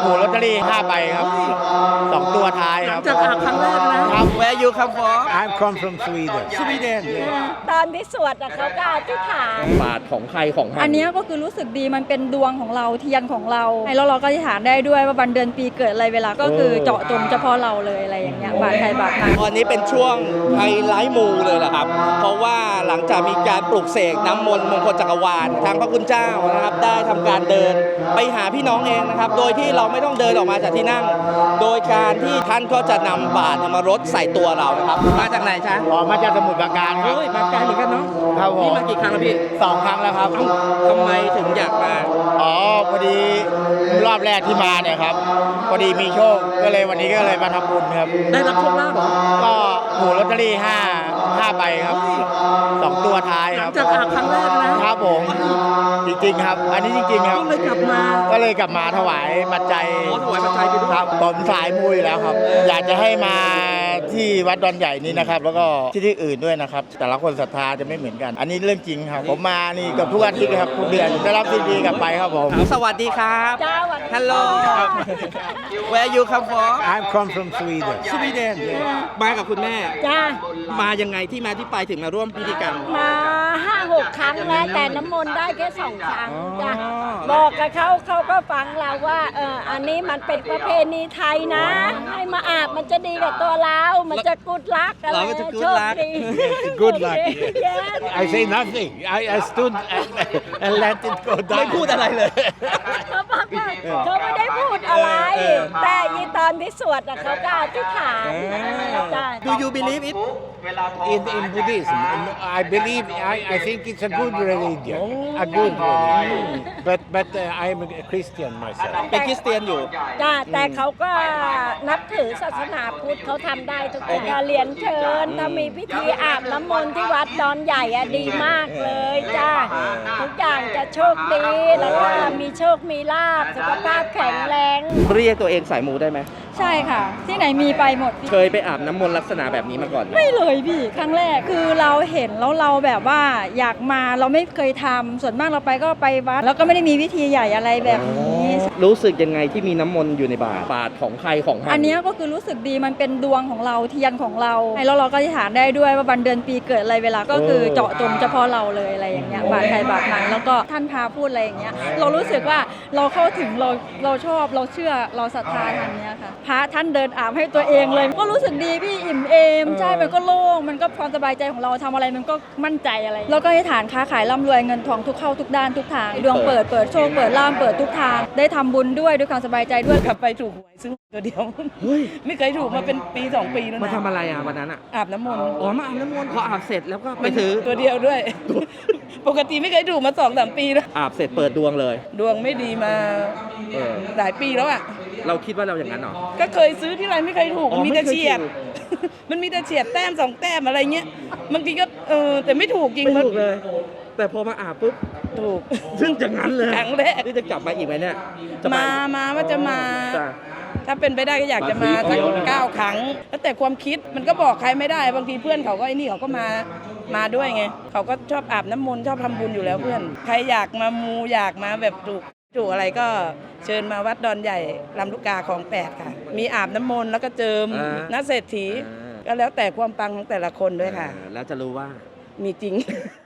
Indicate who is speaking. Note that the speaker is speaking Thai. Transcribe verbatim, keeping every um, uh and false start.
Speaker 1: ถูกลอตเตอรี่ห้าใบครับสองตัวท้ายครับ
Speaker 2: จากอาบครั้งแรกนะครับ Where you come from
Speaker 3: I come from Sweden.
Speaker 2: Sweden
Speaker 4: ตอนที่สวดอะเขาก็อธิษฐาน
Speaker 2: บาทของใครของมัน
Speaker 5: อันเนี้ยก็คือรู้สึกดีมันเป็นดวงของเราเทียนของเราแล้วเราก็อธิษฐานได้ด้วยว่าวันเดือนปีเกิดอะไรเวลาก็คือเจาะจงเฉพาะเราเลยอะไรอย่างเงี้ยบาทใครบาทมัน
Speaker 2: ตอนนี้เป็นช่วงไฮไลท์มูเลยแหละครับ เพราะว่าหลังจากมีการปลุกเสกน้ำมนต์มงคลจักรวาลทางพระคุณเจ้านะครับได้ทำการเดินไปหาพี่น้องเองนะครับโดยที่เราไม่ต้องเดินออกมาจากที่นั่ง โดยการที่ท่านก็จะนำบาตรมารดใส่ตัวเรานะครับมาจากไหนจ๊ะ
Speaker 1: ออกมาจากสมุทรปราการครับ
Speaker 2: เฮ้ยมาไกลเหมือนกันเนาะ
Speaker 1: ครับผม
Speaker 2: นี่มากี่ครั้งแล้วพี่
Speaker 1: สองครั้งแล้วครับ
Speaker 2: เอ้าทำไมถึงอยากมา
Speaker 1: อ๋อพอดีรอบแรกที่มาเนี่ยครับพอดีมีโชคก็เลยวันนี้ก็เลยมาทำบุญครับ
Speaker 2: ได้รับโชคลาภเหรอ
Speaker 1: ก็ถูกลอตเตอรี่ห้าห้าใบครับสองตัวท้าย
Speaker 2: ห
Speaker 1: ค
Speaker 2: ลั
Speaker 1: รั
Speaker 2: ง
Speaker 1: บ
Speaker 2: จากอาบครั้งแรกนะครับ
Speaker 1: ผมจริงๆครับ อันนี้จริงๆครับ
Speaker 2: ก็เลยกลับมา
Speaker 1: ก็เลยกลับมาถวายปัจจัย
Speaker 2: ขอถวายปัจจัยไปด้วย
Speaker 1: ครับผมสายมุยแล้วครับ อยากจะให้มาที่วัดดอนใหญ่นี้นะครับ แล้วก็ที่ที่อื่นด้วยนะครับ แต่ละคนศรัทธาจะไม่เหมือนกัน อันนี้เรื่องจริงครับ ผมมานี่เกับทุกอาทิตย์เลยครับทุกเดือนได้รับซีดีกลับไปครับผม
Speaker 2: สวัสดีครับ
Speaker 4: จ้าวัน
Speaker 2: Hello Where you come from
Speaker 3: I come from Sweden.
Speaker 2: Sweden มากับคุณแม่
Speaker 4: จ้า
Speaker 2: มายังไงที่มาที่ไปถึงมาร่วมพิธีกรรม
Speaker 4: มาห้าหกครั้งแล้วแต่น้ำมนต์ได้แค่สองครั้งจ้าบอกกับเขาเขาก็ฟังเราว่าเอออันนี้มันเป็นประเพณีไทยนะ ให้มาอาบมันจะดีกับตัวเรา มันจะกุดลักอะไร
Speaker 2: เราก็จะ good
Speaker 4: โชค
Speaker 2: luck
Speaker 4: ดี
Speaker 3: Good luck.
Speaker 4: Yes
Speaker 3: I say nothing. I, I stood and, and let it go
Speaker 2: ไม่
Speaker 3: down.
Speaker 2: พูดอะไรเลย
Speaker 4: เขาบอกว่าเขาไม่ได้พูดอะไร
Speaker 2: เออ
Speaker 4: แต่ยีตอนที่สวดอะเขาก็อธิษฐานจ้า
Speaker 2: Do you believe it
Speaker 3: In, in Buddhism, and I believe, I, I think it's a good religion. A good religion. But, but uh, I'm a Christian myself.
Speaker 2: เป็นคริสเตียนอยู่
Speaker 4: จ้าแต่เขาก็นับถือศาสนาพุทธเขาทำได้ทุกอย่างเรียนเชิญถ้ามีพิธีอาบน้ำมนต์ที่วัดดอนใหญ่อะดีมากเลยจ้าทุกอย่างจะโชคดีแล้วก็มีโชคมีลาภสุขภาพแข็งแรง
Speaker 2: เรียกตัวเองสายมูได้ไหม
Speaker 5: ใช่ค่ะ ที่ไหนมีไปหมดพี่
Speaker 2: เคยไปอาบน้ำมนต์ลักษณะแบบนี้มาก่อนไหม
Speaker 5: ไม่เลยพี่ครั้งแรกคือเราเห็นแล้วเราแบบว่าอยากมาเราไม่เคยทำส่วนมากเราไปก็ไปวัดแล้วก็ไม่ได้มีวิธีใหญ่อะไรแบบนี้
Speaker 2: รู้สึกยังไงที่มีน้ำมนต์อยู่ในบาตรบาตรของใครของมัน
Speaker 5: อันเนี้ยก็คือรู้สึกดีมันเป็นดวงของเราเทียนของเราแล้วเราก็อธิษฐานได้ด้วยว่าวันเดือนปีเกิดอะไรเวลาก็คือเจาะจงเฉพาะเราเลยอะไรอย่างเงี้ยบาทใครบาทมันแล้วก็ท่านพาพูดอะไรอย่างเงี้ยเรารู้สึกว่าเราเข้าถึงเราเราชอบเราเชื่อเราศรัทธาทางเนี้ยค่ะพระท่านเดินอาบให้ตัวเองเลยก็รู้สึกดีพี่อิ่มเอมใช่มันก็โล่งมันก็ความสบายใจของเราทำอะไรมันก็มั่นใจอะไรแล้วก็อธิษฐานค้าขายร่ำรวยเงินทองทุกเข้าทุกด้านทุกทางดวงเปิดเปิดโชคเปิดล่ามเปิดทุกทางได้ทำบุญด้วยด้วยความสบายใจด้วย
Speaker 6: กลับไปถูกหวยซื้อตัวเดียว
Speaker 2: เฮ้ย
Speaker 6: ไม่เคยถูกมาเป็นปีสองปีแล้ว
Speaker 2: มา
Speaker 6: นะ
Speaker 2: ทำอะไรอ่ะวันนั้นอ่ะ
Speaker 6: อาบน้ำมนต์
Speaker 2: อ๋อมาอาบน้ำมนต์พออาบเสร็จแล้วก็ไปถือ
Speaker 6: ตัวเดียวด้วย ปกติไม่เคยถูกมาสองสามปีแล้ว
Speaker 2: อาบเสร็จเปิดดวงเลย
Speaker 6: ดวงไม่ดีมา
Speaker 2: เออ
Speaker 6: หลายปีแล้วอ่ะ
Speaker 2: เราคิดว่าเราอย่างนั้นเหรอ
Speaker 6: ก็เคยซื้อที่ไรไม่เคยถูก
Speaker 2: อ๋อ
Speaker 6: มันมีแต่
Speaker 2: ไม่เคย
Speaker 6: เฉียด
Speaker 2: ถูก
Speaker 6: มันมีแต่เฉียดแต้มสองแต้มอะไรเงี้ยบางทีก็เออแต่ไม่ถูกจริง
Speaker 2: ไม่ถูกเลย แต่พอมาอาบปุ๊บ
Speaker 6: ถูก
Speaker 2: ซึ่งอย่างนั้นเลย
Speaker 6: ครั้งแรก
Speaker 2: นี่จะกลับมาอีกไหมเนี่ยจะไป
Speaker 6: มามาว่าจะมา
Speaker 2: จ้ะ
Speaker 6: ถ้าเป็นไปได้ก็อยากจะมาสักเก้าครั้ง แล้วแต่ความคิดมันก็บอกใครไม่ได้ บางทีเพื่อนเขาก็ไอ้นี่เขาก็มามาด้วยไง เขาก็ชอบอาบน้ำมนต์ชอบทำบุญอยู่แล้วเพื่อน ใครอยากมามูอยากมาแบบถูกถูกอะไรก็เชิญมาวัดดอนใหญ่ลำลูกกาของแปดค่ะ มีอาบน้ำมนต์แล้วก็เจิม
Speaker 2: อ่า
Speaker 6: นักเศรษฐี
Speaker 2: อ่า
Speaker 6: ก็แล้วแต่ความปังของแต่ละคนด้วยค่ะ
Speaker 2: เออแล้วจะรู้ว่า
Speaker 6: มีจริง